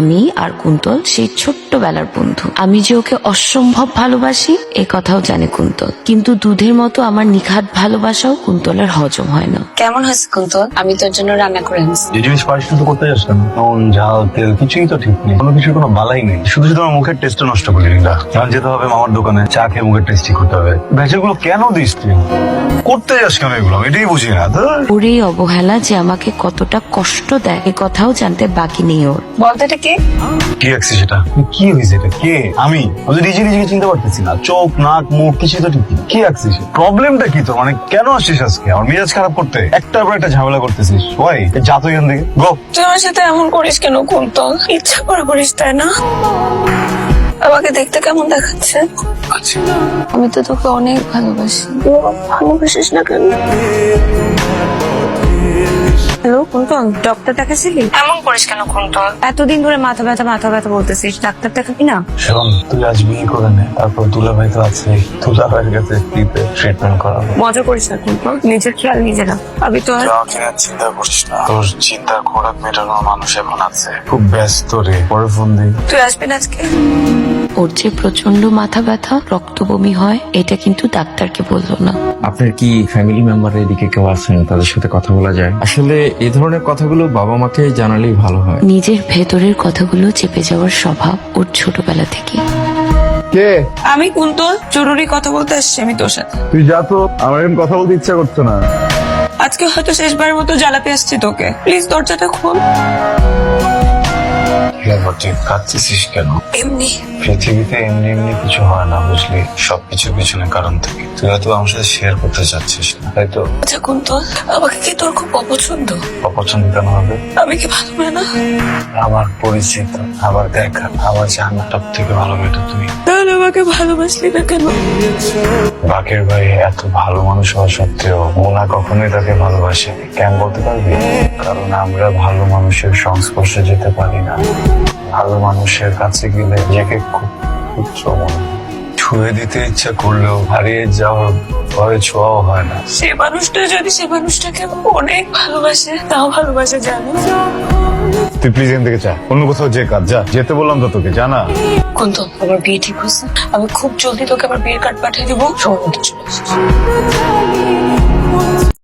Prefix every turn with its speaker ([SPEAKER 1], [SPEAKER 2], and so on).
[SPEAKER 1] আমি আর কুন্তল সেই ছোট্টবেলার বন্ধু। আমি যে ওকে অসম্ভব ভালোবাসি এ কথাও জানে কুন্তল, কিন্তু দুধের মতো আমার নিখাত ভালোবাসাও কুন্তলের হজম হয় না।
[SPEAKER 2] কেমন হয়েছে কুন্তল? আমি তোর জন্য রান্না করে আনছি।
[SPEAKER 3] যে জিনিস পারিস না তো করতে যাস কেন? নুন ঝাল তেল কিছুই তো ঠিক নেই, কোনো কিছুর কোনো বালাই নেই। শুধু শুধু আমার মুখের টেস্টটা নষ্ট করলি না। কারণ যেতে হবে মামার দোকানে, চা খেয়ে মুখের টেস্টি করতে হবে। ভেজালগুলো কেন দিস তুই? করতে যাস কেন এগুলো? আমি এটাই বুঝি না।
[SPEAKER 1] ওর এই অবহেলা যে আমাকে কতটা কষ্ট দেয় এ কথাও জানতে বাকি নেই ওর।
[SPEAKER 2] বলতো এটা কে?
[SPEAKER 3] কি রাখছিস সেটা? কি হয়েছে এটা? কে? আমি নিজে নিজেকে চিনতে পারতেছি না। চোখ নাক মুখ কিছুই তো ঠিক নেই। কি রাখছিস? প্রবলেমটা কি তোর? মানে কেন আসছিস আজকে আমার মেজাজ খারাপ করতে? একটার পর একটা ঝামেলা করতেছিস। ওই যা তুই এখান থেকে গো।
[SPEAKER 2] তুই আমার সাথে এমন করিস কেন কুন্তল? ইচ্ছা করে করিস তাই না? আমাকে দেখতে কেমন দেখাচ্ছে?
[SPEAKER 3] আচ্ছা
[SPEAKER 2] আমি তো তোকে অনেক ভালোবাসি। তুই ভালোবাসিস না কেন? হ্যালো কুন্তল, ডক্টর দেখাছিলি? এমন করিস কেন কুন্তল? এতদিন ধরে মাথা ব্যথা বলতেছিস, ডাক্তার দেখাবি না?
[SPEAKER 3] শোন, তুই আজ বিয়ে করে নে, তারপর দুলাভাই তো আছে, দুলাভাইয়ের কাছে ফ্রিতে ট্রিটমেন্ট করাবো।
[SPEAKER 2] মজা করিস না কুন্তল, নিজের খেয়াল নিজে রাখ। আমি তো আর
[SPEAKER 3] আমাকে নিয়ে চিন্তা করছিস না, তোর চিন্তার খোরাক মেটানোর মানুষ এখন আছে। খুব ব্যস্ত রে, পরে ফোন দিই।
[SPEAKER 2] তুই আসবি না আজকে?
[SPEAKER 1] ওর যে প্রচন্ড মাথা ব্যথা, রক্ত বমি হয়, এটা কিন্তু ডাক্তারকে বললো না।
[SPEAKER 4] আপনার কি ফ্যামিলি মেম্বার এদিকে কেউ আছেন তাদের সাথে কথা বলা যায়? আসলে এই ধরনের কথাগুলো বাবা মাকে জানালেই ভালো হয়।
[SPEAKER 1] নিজের ভেতরের কথাগুলো চেপে যাওয়ার স্বভাব ওর ছোটবেলা থেকে।
[SPEAKER 5] কে?
[SPEAKER 2] আমি কুন্তল, জরুরি কথা বলতে আসছি আমি তোর সাথে।
[SPEAKER 5] তুই যা তো, আমার এখন কথা বলতে ইচ্ছা করছে না।
[SPEAKER 2] আজকে হয়তো শেষবারের মতো জ্বালাতে আসছি তোকে, প্লিজ দরজাটা খোল।
[SPEAKER 3] তুই কাঁদতেছিস কেন?
[SPEAKER 2] এমনি
[SPEAKER 3] পৃথিবীতে এমনি এমনি কিছু হয় না, বুঝলি? সবকিছুর পিছনে কারণ থাকে। তুই হয়তো আমার সাথে শেয়ার করতে চাচ্ছিস না, তাই তো?
[SPEAKER 2] আচ্ছা কুন্তল, আমাকে কি তোর খুব অপছন্দ?
[SPEAKER 3] অপছন্দ কেন হবে?
[SPEAKER 2] আমি কি ভালো মেয়ে না?
[SPEAKER 3] আমার পরিচিত, আমার দেখা, আমার জানা সব থেকে ভালো মেয়েটা তুই।
[SPEAKER 2] তাহলে আমাকে ভালোবাসলি না কেন?
[SPEAKER 3] বাকের ভাই এত ভালো মানুষ হওয়া সত্ত্বেও মোনা কখনোই তাকে ভালোবাসেনি। কেন বলতে পারবি? কারণ আমরা ভালো মানুষের সংস্পর্শে যেতে পারি না। ভালো মানুষের কাছে গেলে নিজেকে খুব তুচ্ছ মনে হয়। ছুঁয়ে দিতে ইচ্ছা করলেও হারিয়ে যাওয়ার ভয়ে ছোঁয়াও হয় না।
[SPEAKER 2] সে মানুষটা যদি সে মানুষটাকে অনেক ভালোবাসে, তাও ভালোবাসে জানো?
[SPEAKER 5] তুই প্লিজ এখান থেকে যা, অন্য কোথাও যে কাজ যা। যেতে বললাম তো তোকে, জানা।
[SPEAKER 2] কুন্তল, আমার বিয়ে ঠিক হয়েছে। আমি খুব জলদি তোকে আমার বিয়ের কার্ড পাঠিয়ে দিবো, সময় মতো চলে আসিস।